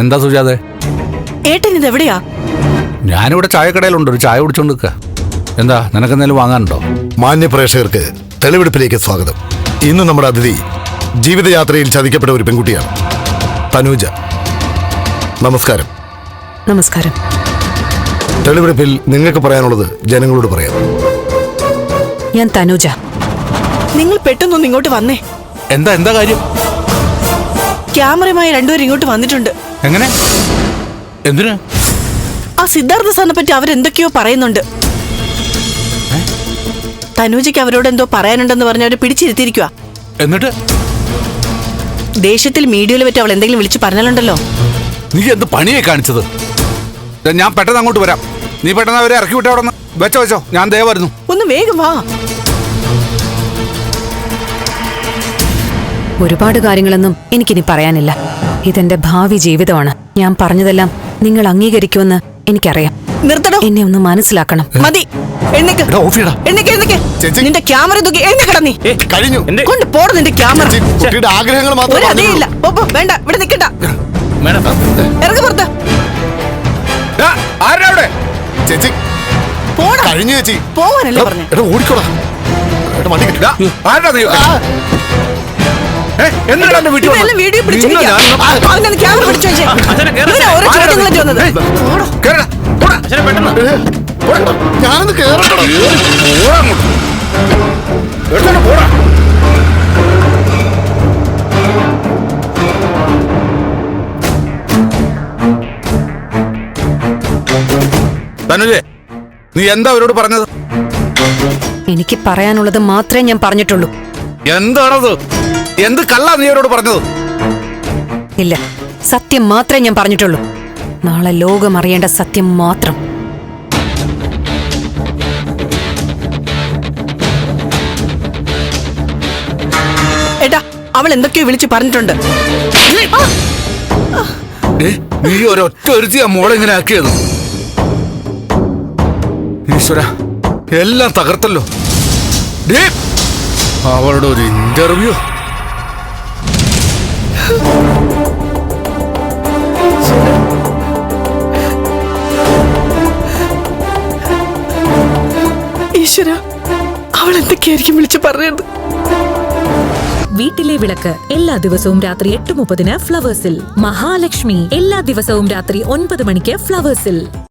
എന്താ സുജാതെ? ഏട്ടൻ ഇതെവിടെയാ? ഞാനിവിടെ ചായക്കടയിലുണ്ട്, ഒരു ചായ കുടിച്ചോണ്ട് നിൽക്കുക. എന്താ, നിനക്കെന്തെങ്കിലും വാങ്ങാനുണ്ടോ? മാന്യ പ്രേക്ഷകർക്ക് തെളിവെടുപ്പിലേക്ക് സ്വാഗതം. ഇന്ന് നമ്മുടെ അതിഥി ജീവിതയാത്രയിൽ ചതിക്കപ്പെട്ട ഒരു പെൺകുട്ടിയാണ്, തനൂജ. നമസ്കാരം. നമസ്കാരം. തെളിവെടുപ്പിൽ നിങ്ങൾക്ക് പറയാനുള്ളത് ജനങ്ങളോട് പറയാം. ഞാൻ തനൂജ. നിങ്ങൾ പെട്ടെന്നൊന്ന് ഇങ്ങോട്ട് വന്നേ. എന്താ കാര്യം? ക്യാമറയുമായി രണ്ടുപേരും ഇങ്ങോട്ട് വന്നിട്ടുണ്ട്. എങ്ങനെ? എന്തിന്? ആ സിദ്ധാർത്ഥ സാറിനെ പറ്റി അവരെന്തൊക്കെയോ പറയുന്നുണ്ട്. തനൂജയ്ക്ക് അവരോട് എന്തോ പറയാനുണ്ടെന്ന് പറഞ്ഞ് അവരെ പിടിച്ചിരുത്തിയിരിക്കുക. എന്നിട്ട് ദേഷ്യത്തിൽ മീഡിയയിൽ പറ്റി അവൾ എന്തെങ്കിലും വിളിച്ചു പറഞ്ഞാലുണ്ടല്ലോ. നീ എന്ത് പണിയായി കാണിച്ചത്? ഞാൻ പെട്ടെന്ന് അങ്ങോട്ട് വരാം. നീ പെട്ടെന്ന് അവരെ ഇറക്കി വിട്ടേ. അവിടെ വെച്ചോ, ഞാൻ ദേ വരുന്നു. ഒന്ന് വേഗം വാ. ഒരുപാട് കാര്യങ്ങളൊന്നും എനിക്കിനി പറയാനില്ല. ഇതെന്റെ ഭാവി ജീവിതമാണ്. ഞാൻ പറഞ്ഞതെല്ലാം നിങ്ങൾ അംഗീകരിക്കുമെന്ന് എനിക്കറിയാം. നിർത്തടോ. എന്നെ ഒന്ന് മനസ്സിലാക്കണം. മതി. എഴുന്നേക്ക്. നിന്റെ ക്യാമറ തൂക്കി എഴുന്നേക്കടാ. നീ കഴിഞ്ഞു. കൊണ്ട് പോട നിന്റെ ക്യാമറ. കുട്ടിയുടെ ആഗ്രഹങ്ങൾ മാത്രം അതേയില്ല. വേണ്ട, ഇവിടെ നിൽക്കണ്ട. ഇറങ്ങി പുറത്ത്. ചേച്ചി പോടാ. കഴിഞ്ഞു ചേച്ചി. പോവാനല്ലേ പറഞ്ഞു. എടാ ഓടിക്കോടാ. വണ്ടി കിട്ടില്ല. ഇതെല്ലാം വീഡിയോ പിടിച്ചിരിക്കുക. അവനൊന്ന് ക്യാമറ പിടിച്ചു വെച്ചേ. ഇവനാ ഓരോ ചോദ്യങ്ങളും ചോദിക്കുന്നത്. ഞാനൊന്ന് കേറട്ടോ. തനുജേ, നീ എന്താ അവരോട് പറഞ്ഞത്? എനിക്ക് പറയാനുള്ളത് മാത്രമേ ഞാൻ പറഞ്ഞിട്ടുള്ളൂ. എന്താണത്? എന്ത് കള്ളാ നീ അവരോട് പറഞ്ഞത്? ഇല്ല, സത്യം മാത്രമേ ഞാൻ പറഞ്ഞിട്ടുള്ളൂ. നാളെ ലോകം അറിയേണ്ട സത്യം മാത്രം. ഏട്ടാ, അവൾ എന്തൊക്കെയോ വിളിച്ചു പറഞ്ഞിട്ടുണ്ട്. നീ ഒരൊറ്റ ഒരുത്തിയാ മോളെ ഇങ്ങനെ ആക്കിയത്. ഈശ്വര, എല്ലാം തകർത്തല്ലോ. അവളുടെ ഒരു ഇന്റർവ്യൂ. ഈശ്വര, അവൾ എന്തൊക്കെയായിരിക്കും വിളിച്ചു പറഞ്ഞത്? വീട്ടിലെ വിളക്ക് എല്ലാ ദിവസവും രാത്രി 8:30 ഫ്ലവേഴ്സിൽ. മഹാലക്ഷ്മി എല്ലാ ദിവസവും രാത്രി 9 മണിക്ക് ഫ്ലവേഴ്സിൽ.